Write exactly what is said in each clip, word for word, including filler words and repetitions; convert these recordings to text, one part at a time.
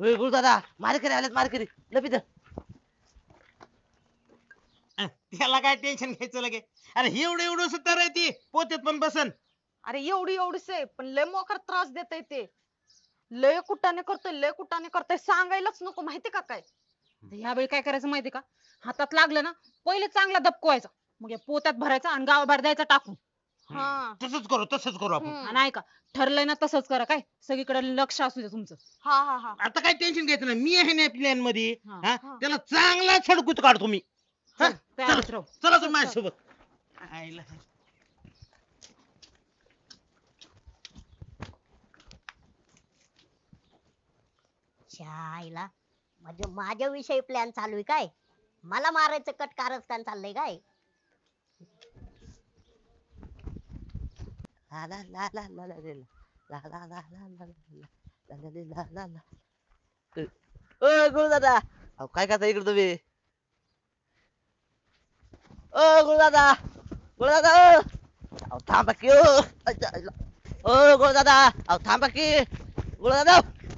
होय गुरुदादा मारेकरी आलेत मारेकरी लपित अं, त्याला काय टेन्शन घ्यायचं लगे. अरे एवढं एवढं सुद्धा रे ती पोत्यात पण बसन. अरे एवढी एवढीच आहे पण लय मोकार त्रास देतय ते. लय कुटाने करतोय लय कुटाने करतोय सांगायलाच नको माहिती का काय. ह्यावेळी काय करायचं माहिती का, हातात लागलं ना पहिले चांगला दबकवायचा, मग या पोत्यात भरायचा आणि गावाबाहेर द्यायचा टाकून. हा तसंच करू तसंच करू आपण. आणि ऐका, ठरलंय ना तसंच करा काय, सगळीकडे लक्ष असू दे तुमचं. हा हा हा आता काय टेन्शन घ्यायचं नाही, मी आहे ना प्लॅन मध्ये. हा, हा हा. त्याला चांगला छडकूत काढतो मी. हा? चल, तयारीत राहू. चला तुम्ही माझ्यासोबत. आईला. शाईला म्हणजे माझ्या विषयी प्लॅन चालू आहे काय? मला मारायचं कट कारस्थान चाललंय काय? ला ला ला ला ला ला ला ला ला ला ला ला ला ला ला ला ला. ओ गुरुदादा अहो काय करता इकडे तुम्ही? ओ गुरुदादा गुरुदादा ओ अहो थांबा की ओ अच्छा, अच्छा. ओ गुरुदादा अहो थांबा की गुरुदादा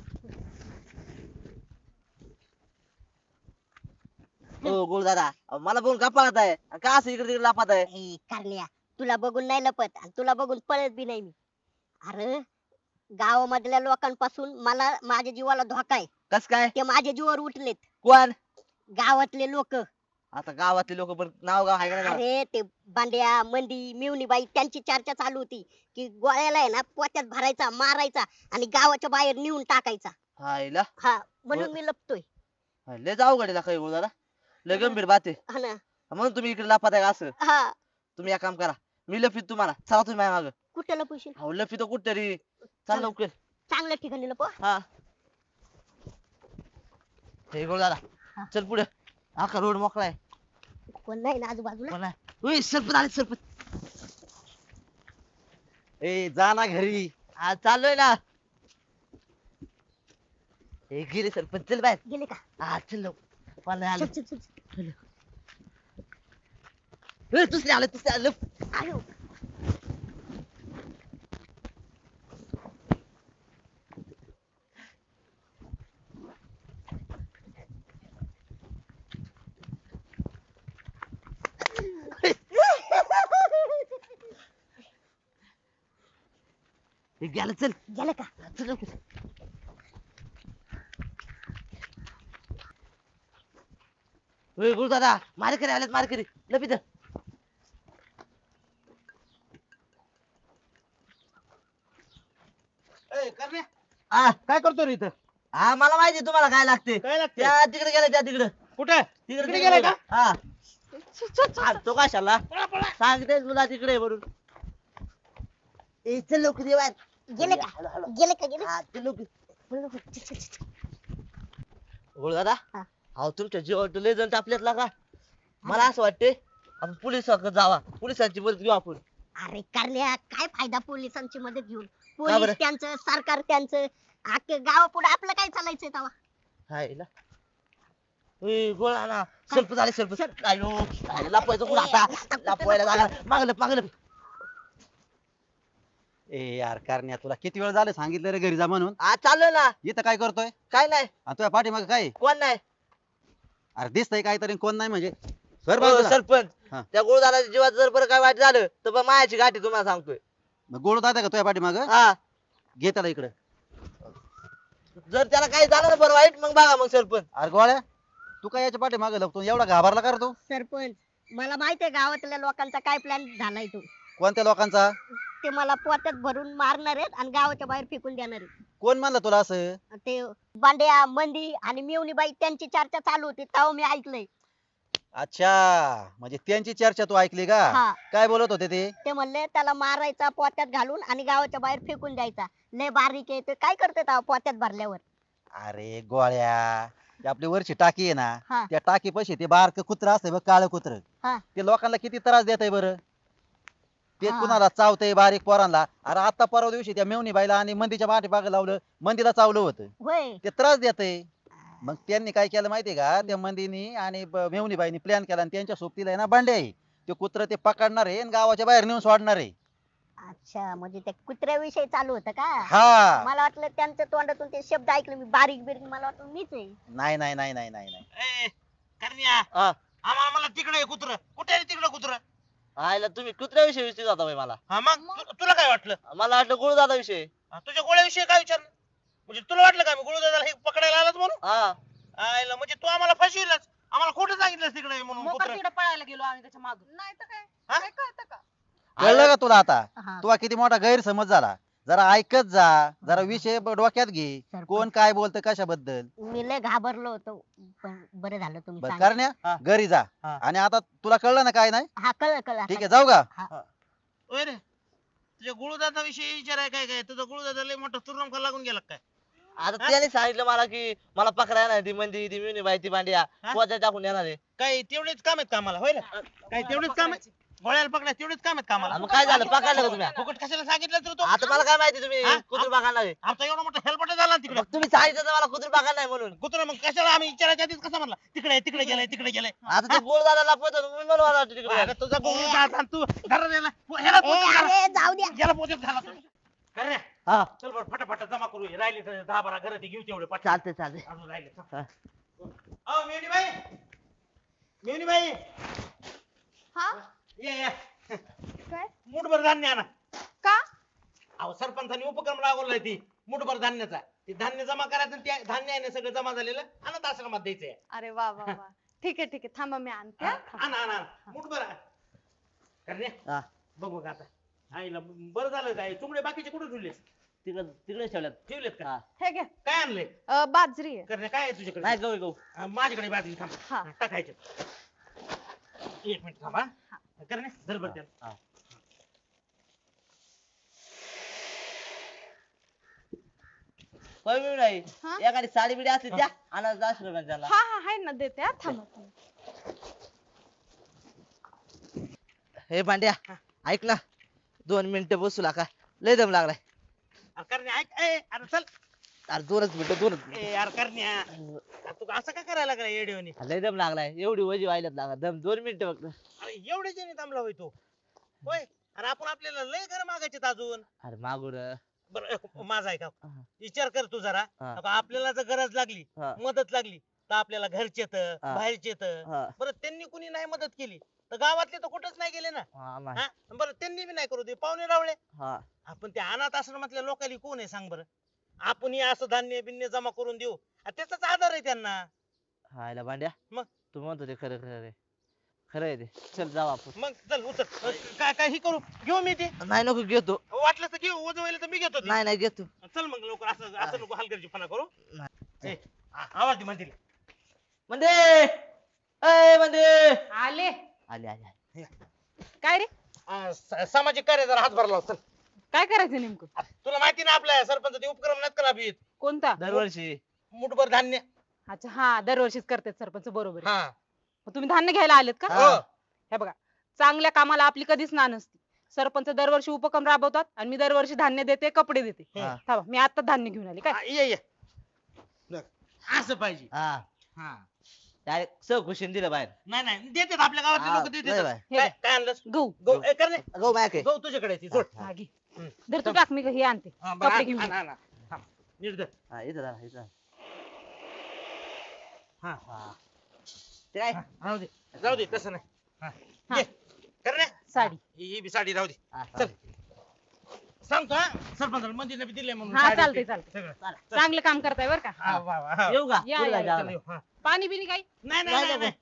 ओ गुरुदादा अहो मला बघून का पळत आहे का असं इकडे तिकडे लापात आहे? ए, कारण्या तुला बघून नाही लपत आणि तुला बघून पळत बी नाही मी. अरे गावामधल्या लोकांपासून मला माझ्या जीवाला धोका आहे. कस काय ते माझ्या जीवावर उठलेत. कोण गावातले लोक. आता गावातले लोक पण नाव गाव आहे का नाही? अरे ते बांड्या मंदी मिवणीबाई त्यांची चर्चा चालू होती की गोळ्याला आहे ना पोत्यात भरायचा मारायचा आणि गावाच्या बाहेर नेऊन टाकायचा. हायला हा म्हणून मी लपतोय. लय जाऊ गाडीला काही गुरुदादा लय गंभीर बात आहे हा ना. म्हणून तुम्ही इकडे लापात आहे का असं? हा तुम्ही एक काम करा मी लफीत तुम्हाला चला तुम्ही माझ्या मागं. कुठे लपवशील? अहो लफी तर कुठतरी चल लवकर. चांगल्या ठिकाणी लपव. हा हे गुरुदादा हा. चल पुढे आखा रोड मोकळा आहे. कोण नाही ना आजूबाजूला? कोण आहे? उई, सरपत आले सरपत. ए जा ना घरी. हा चाललोय ना. हे गेले सरपंच चल बाहेर. गेले का? हा चल लवकर. मला आलं चल, चल, चल. ए, दुसरे आले दुसरे आले आयो. हे गेलं चल गेलं का? चल लवकर. ओय गुरुदादा मारेकरी आलेत मारेकरी लपित ए, करण्या, हा काय करतो रे इथं? हा मला माहिती आहे तुम्हाला काय लागते. काय लागते? त्या तिकडे गेले त्या तिकडे कुठे तिकडे तिकडे गेलाय का? हा हा, तो कशाला सांगते तुला तिकडे म्हणून. ए चल लवकर ये बाहेर. गेले का? हळू, हळू. गेले का? गेले? हा चल लवकर. पळ लवकर. चल, चल, चल. गुरुदादा हा. अहो तुमच्या जीवावर लय जण टापल्यात का मला असं वाटते आपण पोलिसाकडे जावा पोलिसांची मदत घेऊ आपण. अरे कारण्या काय फायदा पोलिसांची मदत घेऊन? का बरं? पोलीस त्यांचं सरकार त्यांचं अख्खे गावापुढे आपलं काय चालायचंय तेव्हा? हाय ना ए गोळा ना सरप झाले सरप आयो आयो, लपवायचं कुठं आता लपवायला जागा मागलं मागलं. ए यार करण्या तुला किती वेळ झालं सांगितलं रे घरी जा म्हणून. आज चाललोय ना इथं काय करतोय काय नाही आणि तुझ्या पाठीमागे काय कोण नाही. अरे दिसतंय काहीतरी कोण नाही म्हणजे सर हो, बाजूला. सरपंच हा. त्या गोळदाराच्या जीवात जर बरं काय वाईट झालं तर बा मायाची गाठी तुम्हाला सांगतोय. मग गोड दादा का तुझ्या पाठीमाग हा घे त्याला इकडे. जर त्याला काही झालं ना बरं वाईट मग बघा मग सरपंच. अरे गोळ्या तू काय याच्या पाठीमागे लपतो एवढा घाबरला कर तू. सरपंच मला माहितीये गावातल्या लोकांचा काय प्लॅन झालाय तो. कोणत्या लोकांचा? ते मला पोत्यात भरून मारणार आहेत आणि गावाच्या बाहेर फेकून देणार आहेत. कोण म्हणलं तुला असं? ते बांड्या मंदी आणि मिवणीबाई त्यांची चर्चा चालू होती तेव्हा मी ऐकलंय. अच्छा म्हणजे त्यांची चर्चा तू ऐकली का? हा. काय बोलत होते ते? ते म्हणले त्याला मारायचा पोत्यात घालून आणि गावाच्या बाहेर फेकून द्यायचा. लय बारीक आहे ते काय करते तेव्हा पोत्यात भरल्यावर? अरे गोळ्या ती आपली वरची टाकी आहे ना हा. त्या टाकी पशी ते बारक कुत्र असतंय बघ काळ कुत्र हा. ते लोकांना किती त्रास देत आहे बरं. ते हा. कुणाला चावतंय बारीक पोरांना. अरे आता परवा दिवशी त्या मेवणी बाईला आणि मंदीच्या पाठीमागे लावलं मंदीला चावलं होतं. होय. ते त्रास देत आहे. मग त्यांनी काय केलं माहितीये का त्या मंदीनी आणि ब- मेवणी बाईनी प्लॅन केला आणि त्यांच्या सोबतीला आहे ना बांडे आहे ते कुत्र ते पकडणार आहे आणि गावाच्या बाहेर नेऊन सोडणार आहे. अच्छा म्हणजे त्या कुत्र्याविषयी चालू होतं का हा मला वाटलं त्यांच्या तोंडातून ते शब्द ऐकले मी बारीक बिरीक मला वाटलं मीच आहे नाही नाही नाही नाही नाही नाही ए, करण्या हा. आम्हाला मला तिकडे कुत्र कुठे आहे तिकडे कुत्र आयला तुम्ही कुत्र्याविषयी विचारत होता बाई मला हा मग तु- तुला काय वाटलं मला वाटलं गुळदादा विषयी हा, तुझ्या गोळ्याविषयी काय विचारलं म्हणजे तुला वाटलं का मी गुळदादाला हे पकडायला आलाच म्हणून हा आयला म्हणजे तू आम्हाला फसविलच आम्हाला खोटं सांगितलं तिकडे म्हणून मोकार कुत्र तिकडे पळायला गेलो आम्ही त्याच्या मागून नाही तर काय हा? काय कळतं का कळलं का तुला आता हा. तुला किती मोठा गैरसमज झाला जरा ऐकत जा जरा विषय ब- डोक्यात घे सरपंच. कोण काय बोलतं कशाबद्दल मी लय घाबरलो होतो पण बरं झालं तुम्ही बरं सांगितलं. करण्या हा. घरी जा हा. आणि आता तुला कळलं ना काय नाही हा कळलं कळलं ठीक आहे आता. जाऊ का होय रे तुझ्या गुळदादा विषयी विचाराय काय काय तुझा गुळदादा लय मोठा तुरंका लागून गेला काय आता त्याने सांगितलं मला की मला पकडायला ती मंदी ती मिनी बाई ती भांड्या हा? पोचा टाकून येणार आहे काय तेवढेच काम आहेत कामाला होय रे काय तेवढेच काम आहेत गोळ्याला पकडायचं तेवढेच काम आहेत कामाला मग काय झालं पकडलं का तुम्ही फुकट कशाला सांगितलं तर तो आता मला काय माहिती तुम्ही हा? कुत्री बघणार आहे आमचा एवढा मोठा हेल्पट झाला तिकडे मग तुम्ही सांगितलं तर मला कुत्री बघणार नाही म्हणून कुत्रा मग कशाला आम्ही विचारायच्या आधीच कसा म्हणला तिकडे तिकडे गेलाय तिकडे गेलाय आता ते गुळदादाला पोहोचवतो मी मला वाटतं तिकडे अरे तुझा गोळी दात आणि तू धरा याला ह्याला ए, पोचत घाला. अरे जाऊ द्या याला पोचत घाला तू. कर रे. हा चल बरं फटाफट जमा करू हे राहिले तर दहा बारा घरात घेऊ तेवढे पटकन. चालते चालते अजून राहिले चल. हा. अहो मेवणी बाई मेवणी बाई हा ये ये काय मुठभर धान्य आणा का अहो सरपंचानी उपक्रम राबवलाय ती मुठभर धान्याचा ते धान्य जमा करायचं आणि ते धान्य आहे ना सगळं जमा झालेलं अनाथ आश्रमात द्यायचंय अरे वा वा वा ठीक आहे ठीक आहे थांबा मी आणते हा. आणा आणा मुठभर करणे हा बघू का आता आईला बरं झालं काय चुमडे बाकीचे कुठे ठेवले तिकडे तिकडे ठेवल्यात ठेवलेत का हा हे घ्या काय आणले अ, बाजरी आहे करणे काय आहे तुझ्याकडे नाही गहू गहू हा, माझ्याकडे बाजरी थांब हा. हा, टाकायचे एक मिनिट थांबा करणे धर बरं त्याला. हा. होय मी नाही हा? एखादी साडी बिडी असली त्या अनाथ आश्रमाला हा हा आहे ना देते हा थांबा थांबा. हे भांड्या ऐक ना दोन मिनिटं बसू लागा लय दम लागलाय अरे करणे ऐक ए, अरे चल अरे दोनच मिनिटं दोनच मिनिटं. ए यार करण्या अरे तू असं काय करायला लागला येडेवणी लय दम लागलाय एवढी वजी व्हायलाच लागा दम दोन मिनिटं फक्त अरे एवढे जणी थांबला होय तू होय अरे आपण आपल्याला लय घर मागायचे अजून अरे मागून बरं एक माझा आहे का हा. विचार कर तू जरा हा. आता आपल्याला जर गरज लागली हा. मदत लागली तर आपल्याला घरचे तर हा. बाहेरचे तर हा बरं त्यांनी कुणी नाही मदत केली तर गावातले तर कुठंच नाही गेले ना हा नाही. हा? बरं त्यांनी बी नाही करू दे पाहुणे रावळे हा आपण त्या अनाथ आश्रमातल्या लोकांनी कोण आहे सांग बरं आपण असं धान्य बिन्य जमा करून देऊ आ, त्याचाच आधार आहे त्यांना हायला भांड्या मग? तू म्हणतो ते खरं खरं रे खरं आहे ते चल जाऊ आपण मग चल उतर अ, काय काय ही करू घेऊ मी ते नाही नको घेतो वाटलं तर घेऊ वजवायला तर मी घेतो ते. नाही नाही घेतो चल मग लवकर असं असं नको हलगर्जीपणा करू नाही. ए, आ- आवाज दे म्हणतील म्हणजे ए म्हणजे आले आले आले आले. काय रे आ, स- सामाजिक कार्य जरा हातभार लाव चल काय करायचं नेमकं आ, तुला माहिती ना आपल्या सरपंच उपक्रम नाहीत करा बीत कोणता दरवर्षी मुठभर धान्य अच्छा हा दरवर्षीच करतात सरपंच बरोबर आहे. हा मग तुम्ही धान्य घ्यायला आलेत का हो हे बघा चांगल्या कामाला आपली कधीच ना नसती सरपंच दरवर्षी उपक्रम राबवतात आणि मी दरवर्षी धान्य देते कपडे देते हा. थांबा मी आता धान्य घेऊन आले काय आ, ये ये बघ, असं पाहिजे हा हा डायरेक्ट सह खुशीन दिलं बाहेर नाही नाही देतात आपल्या गावातले हा, लोक लय देतात बाय. हे काय घ्या. काय आणलंस गहू गहू ए, कर रे. गहू मायक आहे गहू तुझ्याकडे आहे ती, सोड हा, घे. हम्म. धर तू टाक मी हे आणते हा, बरं, कपडे आण, घेऊन आण, ये. आण, आण. थांब. नीट धर. हा इथं जरा इथं हा हा ते काय हा, राहू दे जाऊ दे तसं नाही हा. हा. ये. कर रे. साडी ही ही बी साडी राहू दे हा, चल सांगतो हा सरपंच मंदिरला बी दिले म्हणून हा साडी चालतंय ते. चालतंय सगळं. चल. चांगलं काम करताय बर का हा, वा, वा, हा. येऊ का या, पुढे या, जायचं या. चल, आम्हाला. येऊ, हा. पाणी बिनी काही नाही नाही नाही, नाही नाही.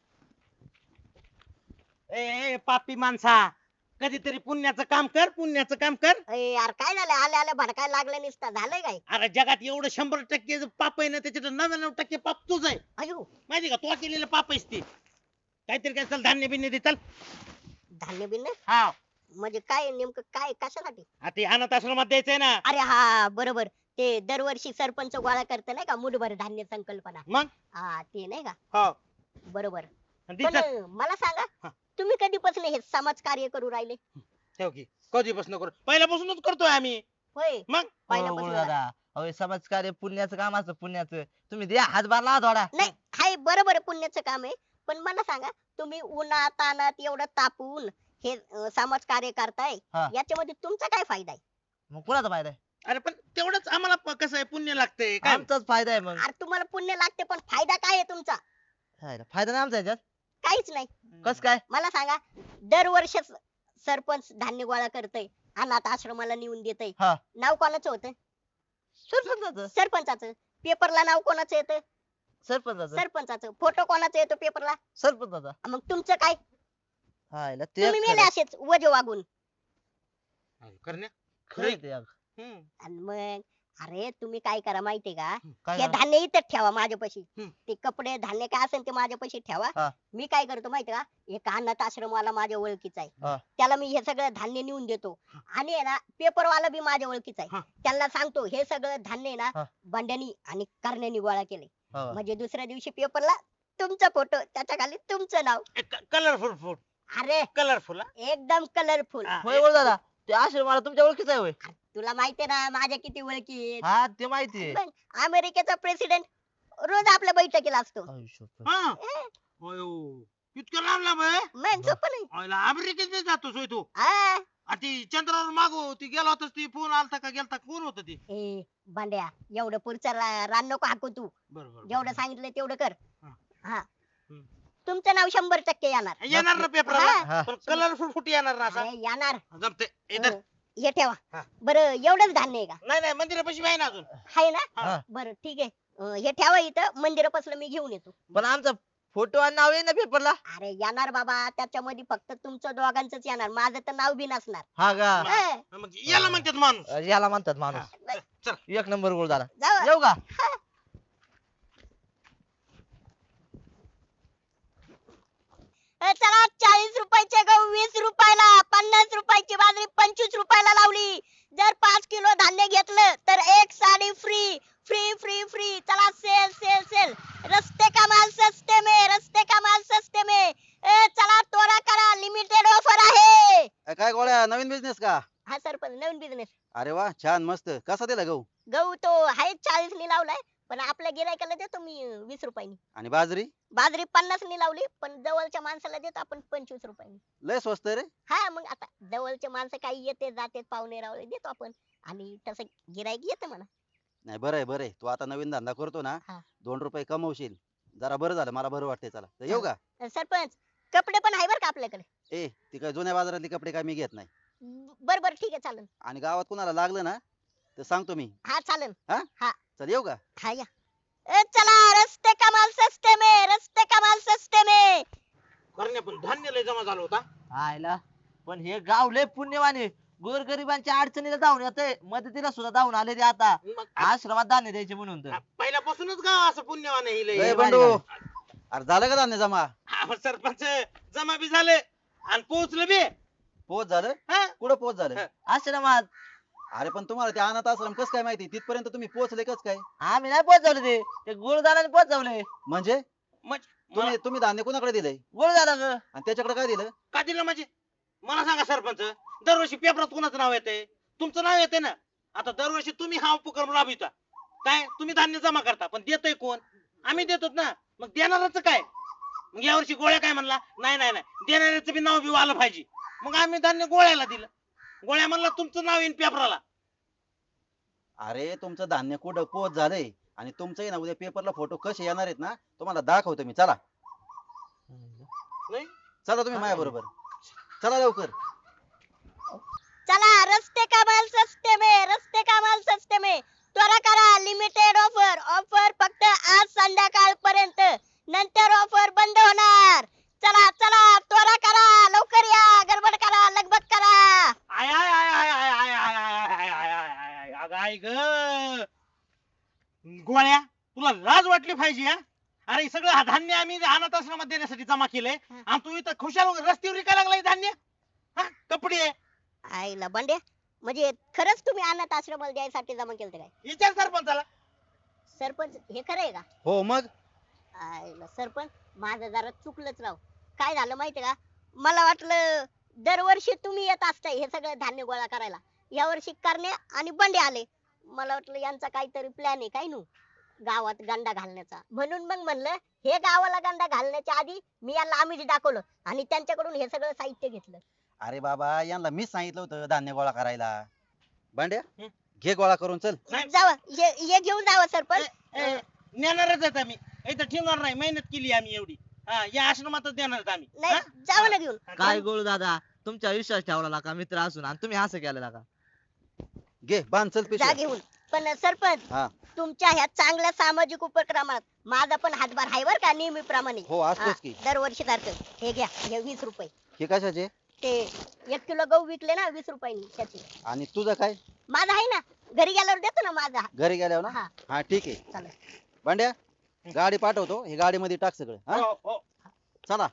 ए ए, पापी माणसा कधीतरी पुण्याचं काम कर पुण्याचं काम कर अरे यार काय झालं आले आले भडकायला लागलं निसता झालंय काय अरे जगात एवढं शंभर टक्के जे पाप आहे ना त्याच्यात नव्याण्णव टक्के पाप तुझं आहे अयो माहिती का तू केलेलं पाप आहेस ते काहीतरी काय चल धान्य बिन्य दे चल धान्य बिन्य हा म्हणजे काय नेमकं काय कशासाठी आता ते अनाथ आश्रमात द्यायचंय ना अरे हा बरोबर ते दरवर्षी सरपंच गोळा करत नाही का मुठभर धान्य संकल्पना मग हा ते नाही का हो बरोबर आणि दे पण चल. मला सांगा हा. तुम्ही कधीपासून हे समाज कार्य करू राहिले ठेव की कधीपासून करू पहिल्यापासूनच करतोय आम्ही होय मग हो, पहिल्यापासून गुरु दादा अहो समाजकार्य पुण्याचं काम असतं पुण्याचं तुम्ही द्या हातभार लावा थोडा नाही हाय बरोबर आहे पुण्याचं काम आहे पण मला सांगा तुम्ही उन्हात तानात एवढं तापून हे अं, समाज कार्य करताय हा. याच्यामध्ये तुमचा काय फायदा आहे? मग कुणाचा फायदा आहे? अरे पण तेवढंच आम्हाला प- कसं आहे पुण्य लागतंय काय आमचाच फायदा आहे मग. अरे तुम्हाला पुण्य लागते पण फायदा काय आहे तुमचा? हायला, फायदा नाही आमचा याच्यात. काहीच नाही. कस काय? मला सांगा, दरवर्षी सरपंच धान्य गोळा करतय, अनाथ आश्रमाला नेऊन देतय, हा. नाव कोणाचं होतं? सरपंचाचं. सरपंचाचं. पेपरला नाव कोणाचं येतं? सरपंचाचं. सरपंचाचं. फोटो कोणाचा येतो पेपरला? सरपंचाचा. मग तुमचं काय? हायला, ते तुम्ही मेले खरं. असेच वजे वागून. करण्या खरं आहे ते अग. हम्म. आणि मग अरे तुम्ही काय करा माहितीये का, काय हे झालं? धान्य इथंच ठेवा माझ्यापाशी. हम्म. ते कपडे धान्य काय असेल ते माझ्यापाशी ठेवा. हा. मी काय करतो माहितीये का, एक अनाथ आश्रमवाला माझ्या ओळखीचा हा. आहे, त्याला मी हे सगळं धान्य नेऊन देतो. आणि आहे ना पेपरवाला बी माझ्या ओळखीचा हा. आहे, त्याला सांगतो हे सगळं धान्य आहे हा. ना बंड्यानी आणि करण्यानी गोळा केले. हा. म्हणजे दुसऱ्या दिवशी पेपरला तुमचा फोटो, त्याच्या खाली तुमचं नाव. कलरफुल फूड अरे कलरफुल एकदम कलरफुल. होय बोल दादा, ते आश्रमाला तुमच्या ओळखीचा आहे होय? तुला माहितीये ना माझ्या किती ओळखी आहेत. हा, ते माहिती आहे. मग अमेरिकेचा प्रेसिडेंट रोज आपल्या बैठकीला असतो. आयुष्य. हा अयो इतकं लांब लांब आहे मग सोपं नाही. आयला अमेरिकेत जातो सोय तू हा. आ ती चंद्रावर मागो ती गेला होतास ती फोन आलता का गेलता कोण होत ती ए बांड्या, एवढं पुढचं रा- रान नको हाकू तू. बरोबर जेवढं सांगितलं तेवढं कर. हा. हा. हम्म. तुमचं नाव शंभर टक्के येणार. येणार ना पेपरला हा. पण कलरफुल फुट येणार ना असा अरे येणार. जमते इधर हं. हे ठेवा. हा. बरं एवढंच धान्य आहे का? नाही नाही मंदिरापाशी आहे ना अजून आहे ना? हा. बरं ठीक आहे. अं, हे ठेवा इथं, मंदिरापासून मी घेऊन येतो. पण आमचा फोटो आणि नाव आहे ना पेपरला. अरे येणार बाबा, त्याच्यामध्ये फक्त तुमचं दोघांच येणार, माझं तर नाव बी नसणार. हा का? हं. मग याला म्हणतात माणूस याला म्हणतात माणूस. हा. चल एक नंबर गोळ झाला. जाऊ. येऊ का? अ, चला चाळीस रुपयाचे गहू वीस रुपयाला, पन्नास रुपयाची बाजरी पंचवीस रुपयाला लावली. जर पाच किलो धान्य घेतलं तर एक sari free free free free. चला सेल सेल सेल. रस्ते का माल सस्ते में, रस्ते का माल सस्ते में. ए, चला तोडा करा, लिमिटेड ऑफर आहे. अ, काय गोळ्या नवीन बिझनेस का? हा सरपंच, नवीन बिझनेस. अरे वा छान मस्त. कसा दिला गहू गहू तो आहे चाळीस नि लावलाय, पण आपल्या गिरायकाला देतो मी अं, वीस रुपयानी. आणि बाजरी बाजरी पन्नास नि लावली, पण जवळच्या माणसाला देतो आपण पंचवीस रुपयानी. लय स्वस्त रे. हा मग आता जवळचे माणसं काही येते जाते, पाहुणे रावळे देतो आपण, आणि तसं गिराईक येते म्हणा. नाही बरं आहे बरं आहे. तू आता नवीन धंदा करतो ना, हा. दोन रुपये कमवशील. जरा बरं झालं, मला बरं वाटतंय. चला तर येऊ का? अं, सरपंच कपडे पण आहे बरं का आपल्याकडे. ए ती काय जुन्या बाजारातले कपडे काय मी घेत नाही. बर बर ठीक आहे चालन. आणि गावात कुणाला लागलं ना तर सांगतो मी. हा चालन. चल येऊ का? हा या. ए, चला रस्ते का माल सस्ते में, रस्ते का माल सस्ते में. करण्या पण धान्य लय जमा झाला होता आयला, पण हे गाव लय पुण्यवाने. गोरगरिबांच्या अडचणीला धावून येते, मदतीला सुद्धा धावून आले ते आता. मग आश्रमात धान्य द्यायचे म्हणून तर. आ- पहिल्यापासूनच गाव असं पुण्यवान आहे ए लय. बंडू, अरे झालं का धान्य जमा? हा, मग सरपंच जमा बी झाले आणि पोहोचलं बी पोच झालं? हा. कुठं पोच झालं? हा. आश्रमात. अरे पण तुम्हाला ते अनाथ आश्रम कस काय माहिती? तिथपर्यंत तुम्ही पोहोचले कस काय? आम्ही नाही पोहोचवले ते, ते गुरुदाराने पोहोचवले. म्हणजे मग तुम्ही तुम्ही धान्य कोणाकडे दिलंय गुरुदारा ग. आणि त्याच्याकडे काय दिलं? का दिलं म्हणजे मला सांगा सरपंच, दरवर्षी पेपरात कोणाचं नाव येते? तुमचं नाव येते ना. आता दरवर्षी तुम्ही हा उपक्रम राबविता, काय तुम्ही धान्य जमा करता, पण देतोय कोण? आम्ही देतो ना. मग देणारच काय? मग यावर्षी गोळ्या काय म्हणला, नाही नाही नाही देणाऱ्याचं बी नाव बी आलं पाहिजे. मग आम्ही धान्य गोळ्याला दिलं. गोळ्या म्हणला तुमचं नाव येईन पेपराला. अरे तुमचं धान्य कुठं पोच झालंय आणि तुमचंही ना उद्या पेपरला फोटो कसे येणार आहेत ना, तुम्हाला दाखवतो मी. चला नाही चला तुम्ही माझ्या बरोबर. चला लवकर. चला रस्ते का माल सस्ते में, रस्ते का माल सस्ते में. त्वरा करा, लिमिटेड ऑफर. ऑफर फक्त आज संध्याकाळ पर्यंत, नंतर ऑफर बंद होणार. चला चला त्वरा करा, लवकर या, गडबड करा, लगबग करा. आय आय आय आय आय आय आय आय आय आय आय आय आय अगं आई ग गोळ्या, तुला लाज वाटली पाहिजे. हा अरे सगळं हा धान्य आम्ही अनाथ आश्रमात देण्यासाठी जमा केलंय आणि तू इथं खुशाल रस्त्यावर विकायला लागलाय धान्य. हा कपडे आईला बंड्या, म्हणजे खरंच तुम्ही अनाथ आश्रमाला द्यायसाठी जमा केलं काय? विचार सरपंचाला. सरपंच हे खरं आहे का? हो मग आईला सरपंच, माझं जरा चुकलंच राव. काय झालं माहितीये का, मला वाटलं दरवर्षी तुम्ही येत असताय हे सगळं धान्य गोळा करायला, या वर्षी करण्या आणि बंडे आले. मला वाटलं यांचा काहीतरी प्लॅन आहे काय नू गावात गंडा घालण्याचा. म्हणून मग म्हणलं हे गावाला गंडा घालण्याच्या आधी मी यांना आम्हीच दाखवलं आणि त्यांच्याकडून हे सगळं साहित्य घेतलं. अरे बाबा यांना मीच सांगितलं होतं धान्य गोळा करायला. भांड्या हं. घे गोळा करून चल. नाही. जावा हे हे घेऊन जावा सरपंच. ए, नेणारच आहेत आम्ही इथं ठेवणार नाही मेहनत केली आम्ही एवढी हा या आश्रमातच देणार आहेत आम्ही नाही हा? जावा ना घेऊन. काय गोळू दादा तुमच्या विश्वास ठेवला का मित्र असून आणि तुम्ही असं केलं का? घे बांध चल जा पिशव्या. घेऊन. पण सरपंच हा तुमच्या ह्या चांगल्या सामाजिक उपक्रमात माझा पण हातभार आहे बर का नेहमीप्रमाणे. हो असतोच की. दरवर्षी सारखं हे घ्या हे वीस रुपये. हे कशाचे ते एक किलो गहू विकले ना वीस रुपयांनी त्याचे. आणि तुझं काय माझा आहे ना घरी गेल्यावर देतो ना माझा. घरी गेल्यावर ना. हा हा ठीक आहे. चालेल. भांड्या गाडी पाठवतो हे गाडीमध्ये टाक सगळं. हा हो, हो. चला.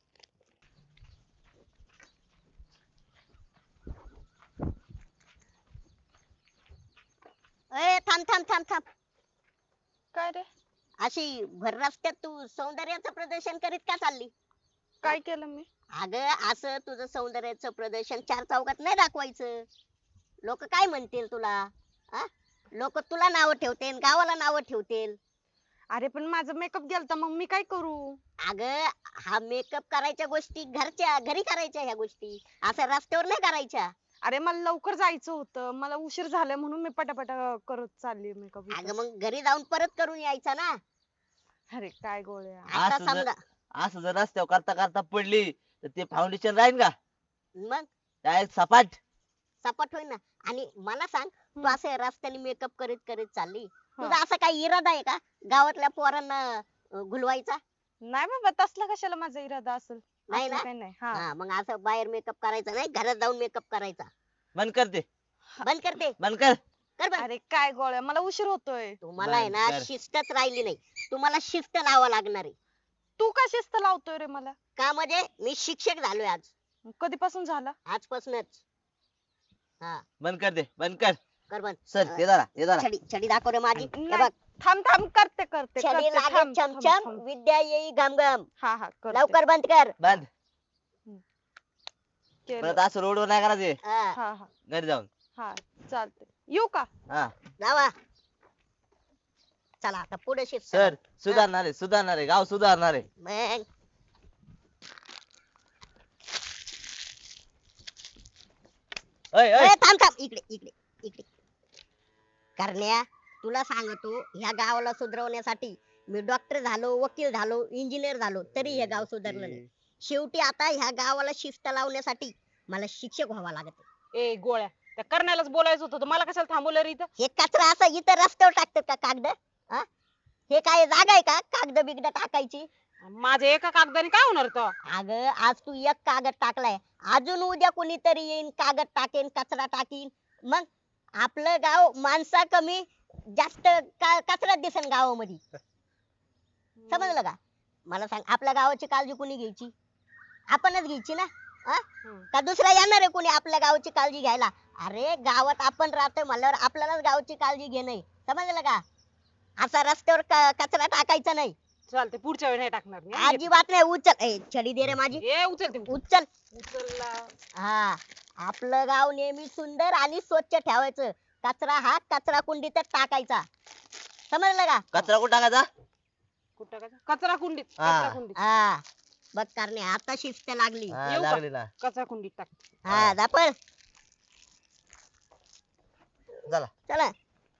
ए थांब थांब थांब थांब. काय रे अशी भर रस्त्यात तू सौंदर्याचं प्रदर्शन करीत का चालली? काय केलं मी? अगं असं तुझं सौंदर्याचं प्रदर्शन चार चौकात नाही दाखवायचं. लोक काय म्हणतील तुला? लोक तुला नाव ठेवतील गावाला नाव ठेवतील. अरे पण माझा मेकअप गेलता मग मी काय करू? अगं हा मेकअप करायच्या गोष्टी घरच्या घरी करायच्या ह्या गोष्टी असं रस्त्यावर नाही करायच्या. अरे मला लवकर जायचं होतं, मला उशीर झालाय म्हणून मी पटापटा करत चालली मेकअप. अगं मग घरी जाऊन परत करून यायचा ना. अरे काय गोळ्या. आता असं जर- समजा असं जर रस्त्यावर करता करता पडली तर ते फाउंडेशन राहील का? मग डायरेक्ट सपाट. सपाट होईल ना. आणि मला सांग तू हम्म. असं रस्त्याने मेकअप करीत करीत चालली हा. तुझा असा काही इरादा आहे का गावातल्या पोरांना अं, घुलवायचा? नाही बाबा तसला कशाला माझा इरादा असेल. नाही असलं ना? काही नाही. हा हा मग असं बाहेर मेकअप करायचा नाही घरात जाऊन मेकअप करायचा. बंद कर ते बंद करते बंद कर. कर बंद. अरे काय गोळ्या मला उशीर होतोय. तुम्हाला आहे ना बंद कर. शिस्तच राहिली नाही. तुम्हाला शिस्त लावा लागणार आहे. तू का शिस्त लावतोय रे मला? का म्हणजे मी शिक्षक झालोय आज कधीपासून झाला? आजपासूनच. हा बंद कर दे बंद कर. कर बंद. सर ते जरा ते जरा. छडी छडी दाखव रे माझी. हे नाही, बघ थांब थांब करते करते छडी करते, लागे थांब, थांब, चमचम थांब. विद्या येई घमघम. हा हा करते. लवकर बंद कर. बंद. केलं. परत असं रोडवर नाही करायचे. हा हा हा घरी जाऊन. हा चालते. येऊ का? हा जावा. चला आता पुढे शिस्त. सर सुधारणार आहे सुधारणार आहे गाव सुधारणार आहे. मग ओय ओय ए, थांब थांब इकडे इकडे इकडे. करण्या तुला सांगतो ह्या गावाला सुधरवण्यासाठी मी डॉक्टर झालो वकील झालो इंजिनियर झालो तरी हे गाव सुधारलं नाही. शेवटी आता ह्या गावाला शिस्त लावण्यासाठी मला शिक्षक व्हावा लागत. ए गोळ्या त्या करण्यालाच बोलायचं होतं तर मला कशाला थांबवलं रे इथं? हे कचरा असं इथं रस्त्यावर टाकतात का कागद? हा? हे काय जागा आहे का कागद बिगद टाकायची? माझ्या एका कागदाने काय होणार तर? अगं आज तू एक कागद टाकलाय अजून उद्या कोणीतरी येईन कागद टाकेन कचरा टाकीन मग आपलं गाव माणसा कमी जास्त का- कचराच दिसन गावामध्ये. समजलं का? मला सांग आपल्या गावाची काळजी कोणी घ्यायची? आपणच घ्यायची ना. हा? हम्म. का दुसरा येणार आहे कोणी आपल्या गावाची काळजी घ्यायला? अरे गावात आपण राहतोय म्हणल्यावर आपल्यालाच गावाची काळजी घेणं. समजलं का? असा रस्त्यावर क- कचरा टाकायचा नाही. चालते पुढच्या वेळी नाही टाकणार मी. हा, अजिबात नाही. उचल ए छडी दे रे माझी. ये उचलते उचल. उचलला. हा आपलं गाव नेहमी सुंदर आणि स्वच्छ ठेवायचं. कचरा हा कचरा कुंडीतच टाकायचा. समजलं का? कचरा कुठं टाकायचा? कुठं टाकायचा? कचरा कुंडीत. हा. कचरा कुंडीत. हा बघ करणे आता शिस्त लागली. हा, येऊ का? लागली ना. कचरा कुंडीत टाक. हा दापळ चला चला.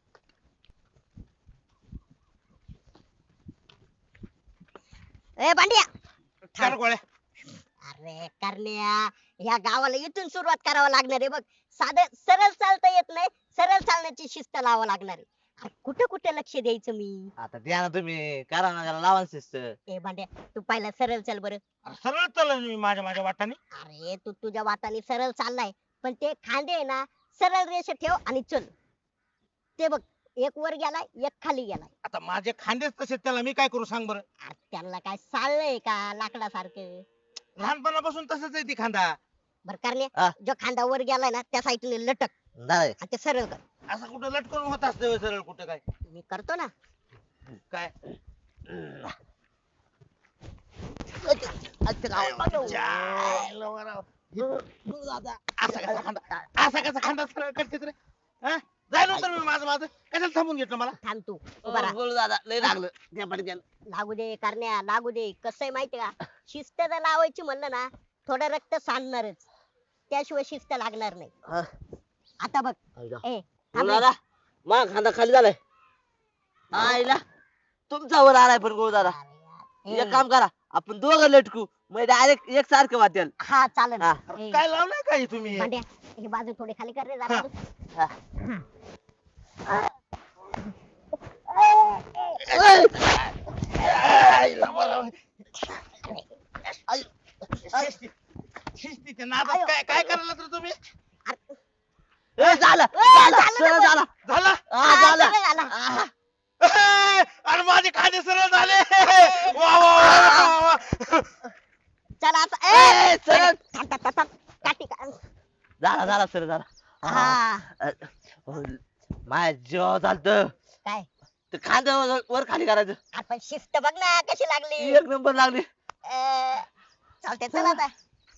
ए भांड्या चल गोळ्या अरे करण्या ह्या गावाला इथून सुरुवात करावं लागणार आहे बघ. साधं सरळ चालता येत नाही. सरळ चालण्याची शिस्त लावावं लागणार आहे. अरे कुठे कुठे लक्ष द्यायचं मी? आता द्या ना तुम्ही करा ना त्याला लावा शिस्त. ए भांड्या तू पहिला सरळ चल बरं. अरे सरळ चाललो मी माझ्या माझ्या वाटाने अरे तू तुझ्या वाटाने सरळ चाललाय पण ते खांदे आहे ना सरळ रेषा ठेव आणि चल. ते बघ एक वर गेलाय एक खाली गेलाय. आता माझे खांदेच तसे त्याला मी काय करू सांग बरं. अरे त्यांना काय चाललंय का लाकडासारखं? लहानपणापासून तसंच आहे ती खांदा बर करणे हा. जो खांदा वर गेलाय ना त्या साईडने लटक नाही आणि ते सरळ कर. असं कुठं लटकून होत असतं सरळ कुठं काय मी करतो ना. काय जायला वराव. असा कसा खांदा असा कसा खांदा सरळ करतेस रे हा? जायला होतं ना मी माझं माझं कशाला थांबून घेतलं मला. थांब तू उभा राहा. बोल दादा लय लागलं द्या पटकन. लागू दे करण्या लागू दे. कसं आहे माहितीये का शिस्त जर लावायची म्हणलं ना थोडं रक्त सांडणारच. त्याशिवाय शिस्त लागणार नाही. हा. आता बघ आईला. ए थांब रे. गुरुदादा मग खांदा खाली झालाय. आईला तुमचा वर आलाय पण गुरुदादा. अरे यार. एक काम करा आपण दोघं लटकू मग डायरेक्ट एक सारखं वाटेल. हा चालेल. हा. ए, काय लावलंय काय तुम्ही भांड्या ही बाजू थोडी खाली कर रे जरा. हा. शिस्तीच्या नादात काय काय करायला तर तुम्ही ए, झालं ए, झालं झालं सरळ ना झाला. झाला हा, हा, झालं. सरळ झाला. हा. ए, अरे माझे खांदे सरळ झाले वा वा वा वा, वा. चला आता ए, ए सरळ. थांब, थांब, थांब, थांब. काठी का- झाला झाला सरळ झाला. हा. हा अ, हो, माझ्या जीव चालत काय ते खांद वर खाली करायचं. आपण शिस्त बघ ना कशी लागली. एक नंबर लागली. ए, चालते चला आता.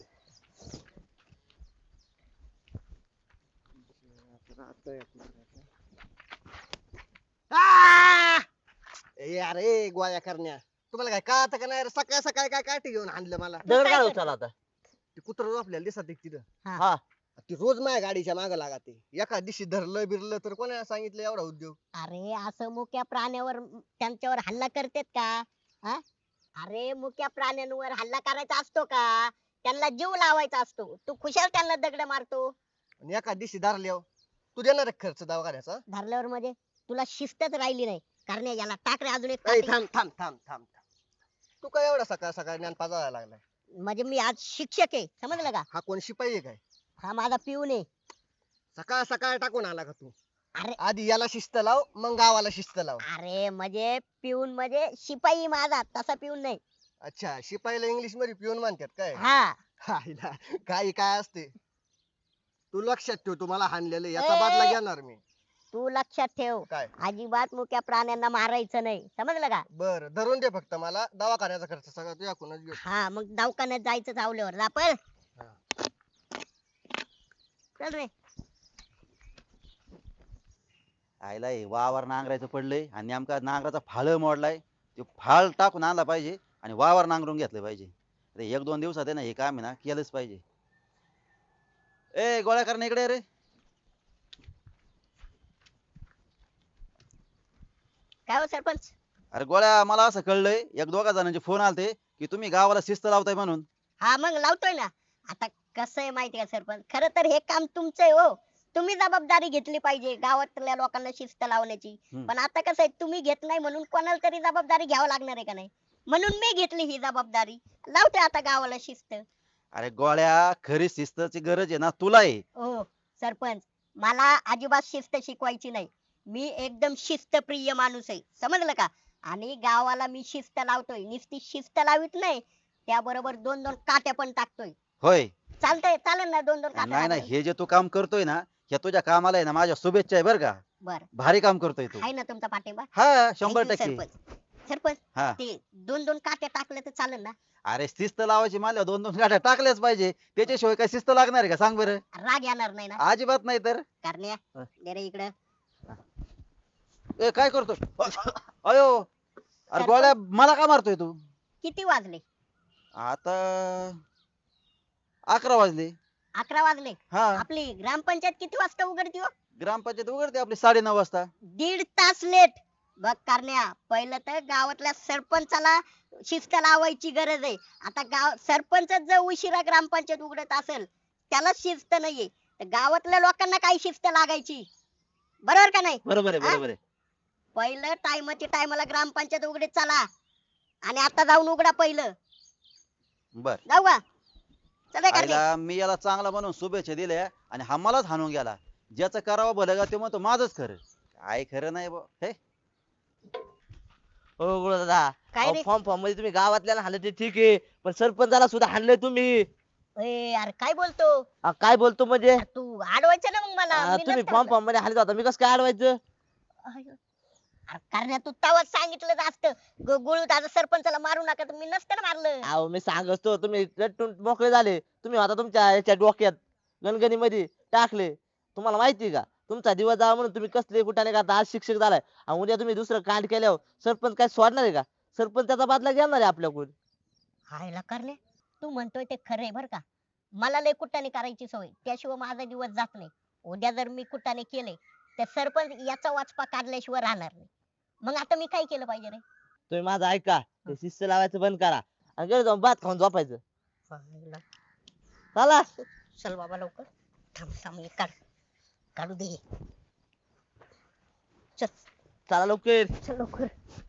ए अरे गोळ्या करण्या तुम्हाला काय कळत का नाही रे? सकाळ सकाळ काय काठी घेऊन आणलं मला दगड काय काढ कर- उचला आता. ते कुत्र आपल्याला दिसत एक तिथं हा ती रोज माझ्या गाडीच्या माग लागते एका दिवशी धरलं बिरलं तर कोणाला सांगितलं एवढा उद्योग अरे असं मुक्या प्राण्यावर त्यांच्यावर हल्ला करतेत का हा? अरे मुक्या प्राण्यांवर हल्ला करायचा असतो का त्यांना जीव लावायचा असतो. तू खुशाल त्यांना दगड मारतो. आणि एका दिवशी धरल्यावर तू देणार आहे खर्च दवाखान्याचा धरल्यावर म्हणजे तुला शिस्तच राहिली नाही. कारण याला टाक रे अजून एक ए, काठी. थांब थांब थांब थांब थांब तू काय एवढा सकाळ सकाळ ज्ञान पाजायला लागलाय म्हणजे मी आज शिक्षक आहे समजलं का. हा कोण शिपाई आहे काय हा माझा पिऊन आहे. सकाळ सकाळ टाकून आला का तू अरे आधी याला शिस्त लाव मग गावाला शिस्त लाव अरे म्हणजे पिऊन म्हणजे शिपाई माझा तसा पिऊन नाही. अच्छा शिपाईला इंग्लिश मध्ये पिऊन म्हणतात काय हा हायला, काही काय असते तू लक्षात ठेव तुम्हाला हाणलेलं याचा बदला ए. घेणार मी तू लक्षात ठेव काय अजिबात मुक्या प्राण्यांना मारायचं नाही समजलं का. बर धरून दे फक्त मला दवाखान्याचा खर्च सगळा तू याकूनच घेऊ हा मग दवाखान्यात जायचं चावल्यावर दापल हा. चल रे. आईला हे वावर नांगरायचं पडलंय आणि नेमका नांगराचा फाळ मोडलाय तो फाळ टाकून आणला पाहिजे आणि वावर नांगरून घेतलं पाहिजे. अरे एक दोन दिवसात आहे ना हे काम आहे ना केलंच पाहिजे. ए गोळ्या करणं इकडे ये रे. काय हो सरपंच. अरे गोळ्या मला असं कळलंय एक दोघा जणांचे फोन आलते की तुम्ही गावाला शिस्त लावताय म्हणून. हा मग लावतोय ना. आता कसं आहे माहिती का सरपंच खर तर हे काम तुमचं आहे हो. तुम्ही जबाबदारी घेतली पाहिजे गावातल्या लोकांना शिस्त लावण्याची. हम्म. पण आता कसं आहे तुम्ही घेत नाही म्हणून कोणाला तरी जबाबदारी घ्यावं लागणार आहे का नाही. म्हणून मी घेतली ही जबाबदारी. लावतोय आता गावाला शिस्त. अरे गोळ्या खरी शिस्तची गरज आहे ना तुला आहे. हो सरपंच मला अजिबात शिस्त शिकवायची नाही. मी एकदम शिस्तप्रिय माणूस आहे समजलं का. आणि गावाला मी शिस्त लावतोय नुसती शिस्त लावित नाही त्याबरोबर दोन दोन काट्या पण टाकतोय. होय चालतंय चालेल ना दोन दोन नाही काट्या नाही टाकतोय? हे जे तू काम करतोय ना ह्या तुझ्या कामाला आहे ना माझ्या शुभेच्छा आहे बरं का. बर भारी काम करतोय तू. आहे ना तुमचा पाठिंबा. हा शंभर Thank you, टक्के. सरपंच सरपंच हा ते दोन दोन काट्या टाकल्या तर चालेल ना. अरे शिस्त लावायची मला दोन दोन गाड्या टाकल्याच पाहिजे त्याच्याशिवाय काय शिस्त लागणार आहे का सांग बरं. राग येणार नाही ना. अजिबात नाही तर. करण्या हा. दे रे इकडं. ए काय करतो अयो अरे गोळ्या मला का मारतोय तू. किती वाजले. आता अकरा वाजले. अकरा वाजले. हा आपली ग्रामपंचायत किती वाजता उघडती हो. ग्रामपंचायत उघडते आपली साडे नऊ वाजता. दीड तास लेट. बघ करण्या पहिलं तर गावातल्या सरपंचाला शिस्त लावायची गरज आहे. आता गाव सरपंच जर उशिरा ग्रामपंचायत उघडत असेल त्याला शिस्त नाहीये तर गावातल्या लोकांना काय शिस्त लागायची. बरोबर का नाही. बरोबर आहे हा? बरोबर आहे. पहिलं टायमाच्या टायमाला ग्रामपंचायत उघडीत चला आणि आता जाऊन उघडा पहिलं. बर जाऊ का. चला करण्या. आईला मी याला चांगला म्हणून शुभेच्छा दिल्या आणि हा मलाच हाणून गेला. ज्याचं करावं भलं का ते म्हणतो माझंच खरं. काय खरं नाही बुवा. हे हो गुरुदादा काय रे. फॉर्म फॉर्म मध्ये तुम्ही गावातल्याला हाणलं ते ठीक आहे पण सरपंचाला सुद्धा हाणलंय तुम्ही. ए यार काय बोलतो. अ, काय बोलतो म्हणजे तू अडवायचं ना मग मला. अ, मी तुम्ही नसतं फॉर्म म्हणलं. फॉर्म मध्ये हाणलं होता मी कसं काय अडवायचं. अरे करण्या तू तवाच सांगितलं असतं गुळू दादा सरपंचाला मारू नका तर मी नसतं ना मारलं. अहो मी सांगतो तुम्ही रट्टून मोकळे झाले. तुम्ही आता तुमच्या याच्या डोक्यात गणगणी मध्ये टाकले. तुम्हाला माहिती का तुमचा दिवस जावा म्हणून तुम्ही कसले कुठाने करता. आज शिक्षक झालाय आणि उद्या तुम्ही दुसरं कांड केल्यावर सरपंच काय सोडणार आहे का. सरपंच त्याचा बदला घेणार आहे आपल्याकडून. हायला करण्या तू म्हणतोय ते खरं आहे बर का. मला लय कुटाने करायची सवय, त्याशिवाय माझा दिवस जात नाही. उद्या जर मी कुटाने केले तर सरपंच याचा वाचपा काढल्याशिवाय राहणार नाही. मग आता मी काय केलं पाहिजे रे? तुम्ही माझं ऐका, हे शिस्त लावायचं बंद करा आणि घरी जाऊन भात खाऊन झोपायचं. पाहिलं. चला. चल बाबा लवकर. थांब थांब हे काढ, काढू दे. चल चला लवकर. चल लवकर.